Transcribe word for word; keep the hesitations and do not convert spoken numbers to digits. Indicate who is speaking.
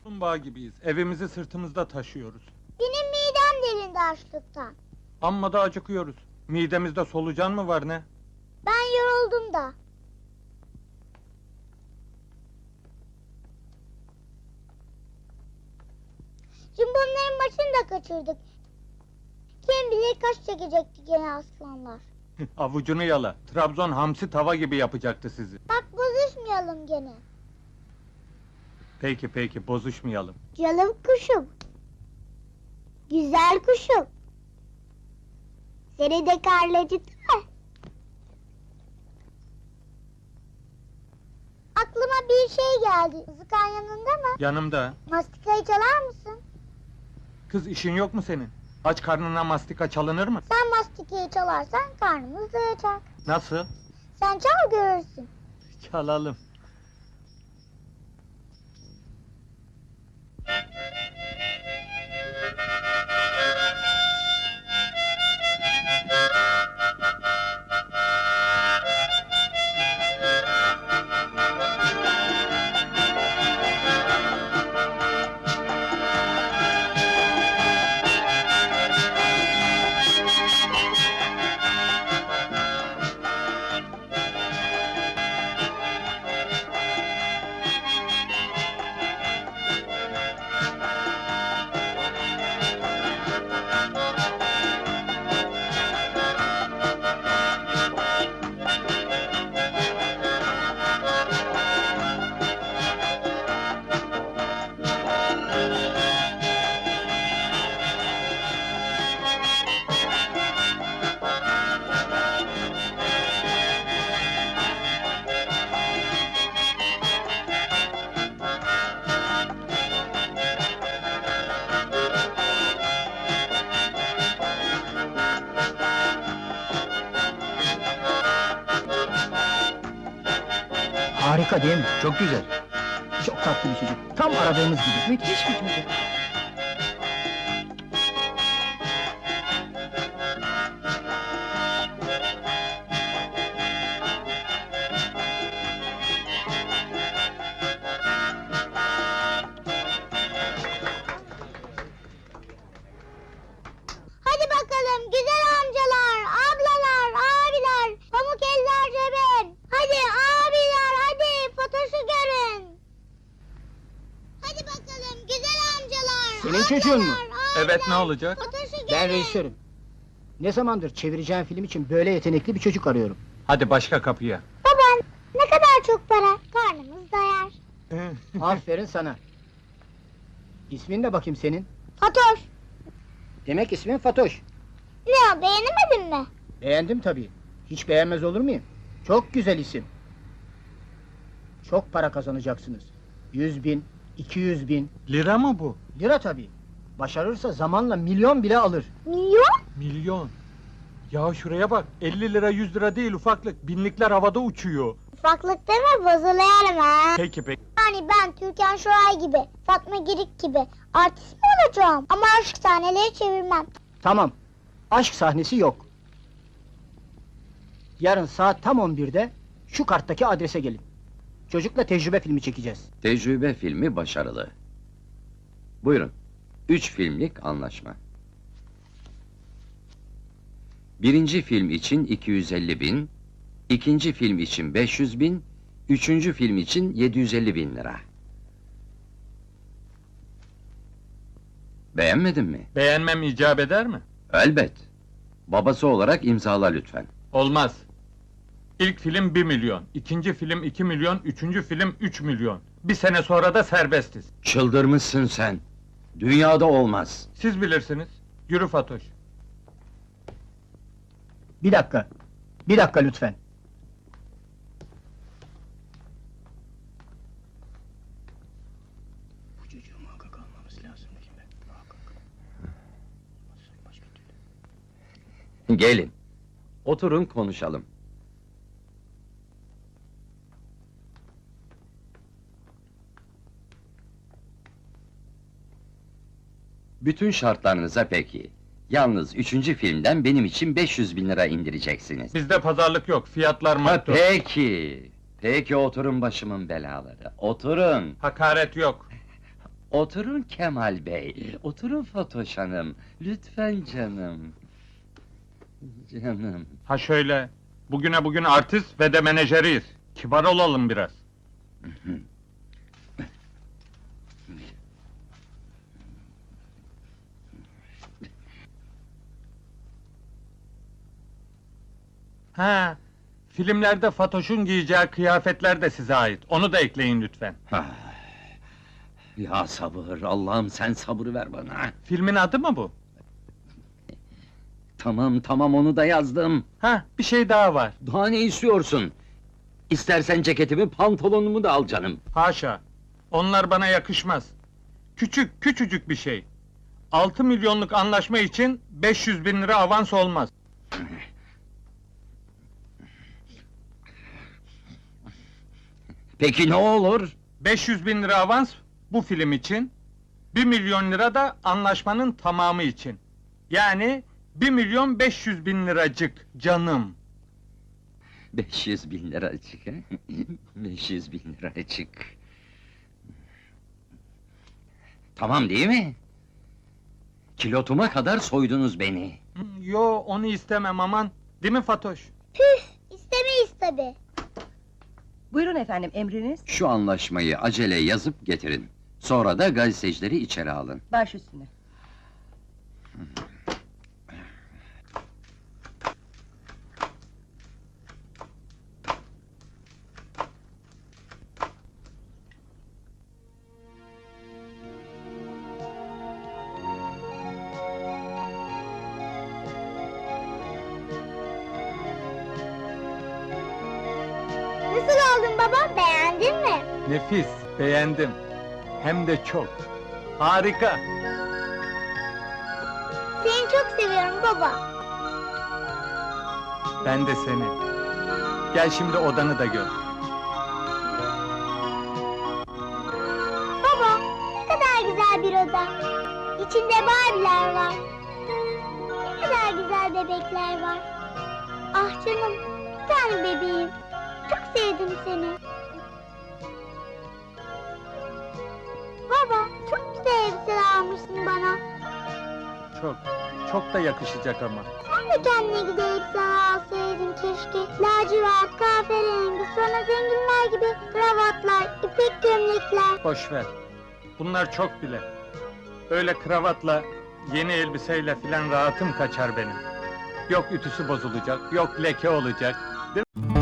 Speaker 1: Kaplumbağa gibiyiz. Evimizi sırtımızda taşıyoruz.
Speaker 2: Benim midem delindi açlıktan.
Speaker 1: Amma da acıkıyoruz. Midemizde solucan mı var ne?
Speaker 2: Ben yoruldum da. Cimbomların başını da kaçırdık. Kim bilir kaç çekecekti gene aslanlar.
Speaker 1: Avucunu yala. Trabzon hamsi tava gibi yapacaktı sizi.
Speaker 2: Bak bozuşmayalım gene.
Speaker 1: Peki peki, bozuşmayalım.
Speaker 2: Canım kuşum. Güzel kuşum. Seni de karnı acıktı mı? Aklıma bir şey geldi. Zıkan yanında mı?
Speaker 1: Yanımda.
Speaker 2: Mastikayı çalar mısın?
Speaker 1: Kız, işin yok mu senin? Aç karnına mastika çalınır mı?
Speaker 2: Sen mastikayı çalarsan karnımız doyacak.
Speaker 1: Nasıl?
Speaker 2: Sen çal görürsün.
Speaker 1: Çalalım.
Speaker 3: Harika değil mi? Çok güzel. Çok tatlı bir çocuk. Tam aradığımız gibi. Müthiş bir çocuk.
Speaker 2: Hadi bakalım güzel amcalar, ablalar, abiler, pamuk eller cebin. Hadi abiler, hadi Fatoş'u görün. Hadi bakalım güzel amcalar,
Speaker 3: Senin
Speaker 2: ablalar,
Speaker 3: çocuğun mu?
Speaker 2: abiler,
Speaker 1: Evet, ne olacak?
Speaker 2: Fatoş'u görün.
Speaker 3: Ben rejisörüm. Ne zamandır çevireceğim film için böyle yetenekli bir çocuk arıyorum.
Speaker 1: Hadi başka kapıya.
Speaker 2: Baba, ne kadar çok para, karnımız doyar.
Speaker 3: Aferin sana. İsmin ne bakayım senin?
Speaker 2: Fatoş,
Speaker 3: Demek ismin Fatoş.
Speaker 2: ne o beğenemedin mi?
Speaker 3: Beğendim tabii. Hiç beğenmez olur muyum? Çok güzel isim. Çok para kazanacaksınız. Yüz bin, iki yüz bin.
Speaker 1: Lira mı bu?
Speaker 3: Lira tabii. Başarırsa zamanla milyon bile alır.
Speaker 2: Milyon?
Speaker 1: Milyon. Ya şuraya bak, elli lira yüz lira değil ufaklık, binlikler havada uçuyor.
Speaker 2: Ufaklık deme bozuluyorum ha.
Speaker 1: Peki peki.
Speaker 2: Yani ben Türkan Şoray gibi, Fatma Girik gibi artist mi olacağım? Ama aşk sahneleri çevirmem.
Speaker 3: Tamam. Aşk sahnesi yok. Yarın saat tam on birde şu karttaki adrese gelin. Çocukla tecrübe filmi çekeceğiz.
Speaker 4: Tecrübe filmi başarılı. Buyurun. Üç filmlik anlaşma. Birinci film için iki yüz elli bin, ikinci film için beş yüz bin, üçüncü film için yedi yüz elli bin lira. Beğenmedin mi?
Speaker 1: Beğenmem icap eder mi?
Speaker 4: Elbet. Babası olarak imzala lütfen.
Speaker 1: Olmaz. İlk film bir milyon, ikinci film iki milyon, üçüncü film üç milyon. Bir sene sonra da serbestiz.
Speaker 4: Çıldırmışsın sen. Dünyada olmaz.
Speaker 1: Siz bilirsiniz. Yürü Fatoş.
Speaker 3: Bir dakika. Bir dakika lütfen. Bu çocuğu muhakkak almamız lazım değil mi? Muhakkak. Başka türlü.
Speaker 4: Gelin. Oturun konuşalım. Bütün şartlarınıza peki. Yalnız üçüncü filmden benim için beş yüz bin lira indireceksiniz.
Speaker 1: Bizde pazarlık yok, fiyatlar
Speaker 4: Ha,
Speaker 1: maktul.
Speaker 4: peki. Peki oturun başımın belaları. Oturun.
Speaker 1: Hakaret yok.
Speaker 4: Oturun Kemal Bey, oturun Fatoş Hanım. Lütfen canım. Canım.
Speaker 1: Ha şöyle, bugüne bugün artist ve de menajeriyiz. Kibar olalım biraz. Ha, filmlerde Fatoş'un giyeceği kıyafetler de size ait. Onu da ekleyin lütfen.
Speaker 4: Ah, ya sabır, Allah'ım sen sabır ver bana.
Speaker 1: Filmin adı mı bu?
Speaker 4: Tamam tamam onu da yazdım.
Speaker 1: Ha, bir şey daha var.
Speaker 4: Daha ne istiyorsun? İstersen ceketimi, pantolonumu da al canım.
Speaker 1: Haşa, onlar bana yakışmaz. Küçük, küçücük bir şey. Altı milyonluk anlaşma için beş yüz bin lira avans olmaz.
Speaker 4: Peki ne olur?
Speaker 1: beş yüz bin lira avans bu film için, bir milyon lira da anlaşmanın tamamı için. Yani bir milyon beş yüz bin liracık canım.
Speaker 4: Beş yüz bin liracık, he? Beş yüz bin liracık. Tamam değil mi? Kilotuma kadar soydunuz beni.
Speaker 1: Hı, Yo, onu istemem aman. Değil mi Fatoş?
Speaker 2: Püf, istemeyiz tabi.
Speaker 5: Buyurun efendim, emriniz?
Speaker 4: Şu anlaşmayı acele yazıp getirin. Sonra da gazetecileri içeri alın.
Speaker 5: Baş üstüne.
Speaker 2: Nasıl oldun baba, beğendin mi?
Speaker 1: Nefis, beğendim. Hem de çok. Harika.
Speaker 2: Seni çok seviyorum baba.
Speaker 1: Ben de seni. Gel şimdi odanı da gör.
Speaker 2: Baba, ne kadar güzel bir oda. İçinde Barbie'ler var. Ne kadar güzel bebekler var. Ah canım, bir tane bebeğim. Çok sevdim seni. Baba, çok güzel elbiseler almışsın bana.
Speaker 1: Çok, çok da yakışacak ama.
Speaker 2: Sen de kendine güzel elbiseler alsaydın keşke. Lacivert, kahverengi, sonra zenginler gibi kravatlar, ipek gömlekler.
Speaker 1: Boş ver. Bunlar çok bile. Öyle kravatla, yeni elbiseyle filan rahatım kaçar benim. Yok ütüsü bozulacak, yok leke olacak. Değil mi?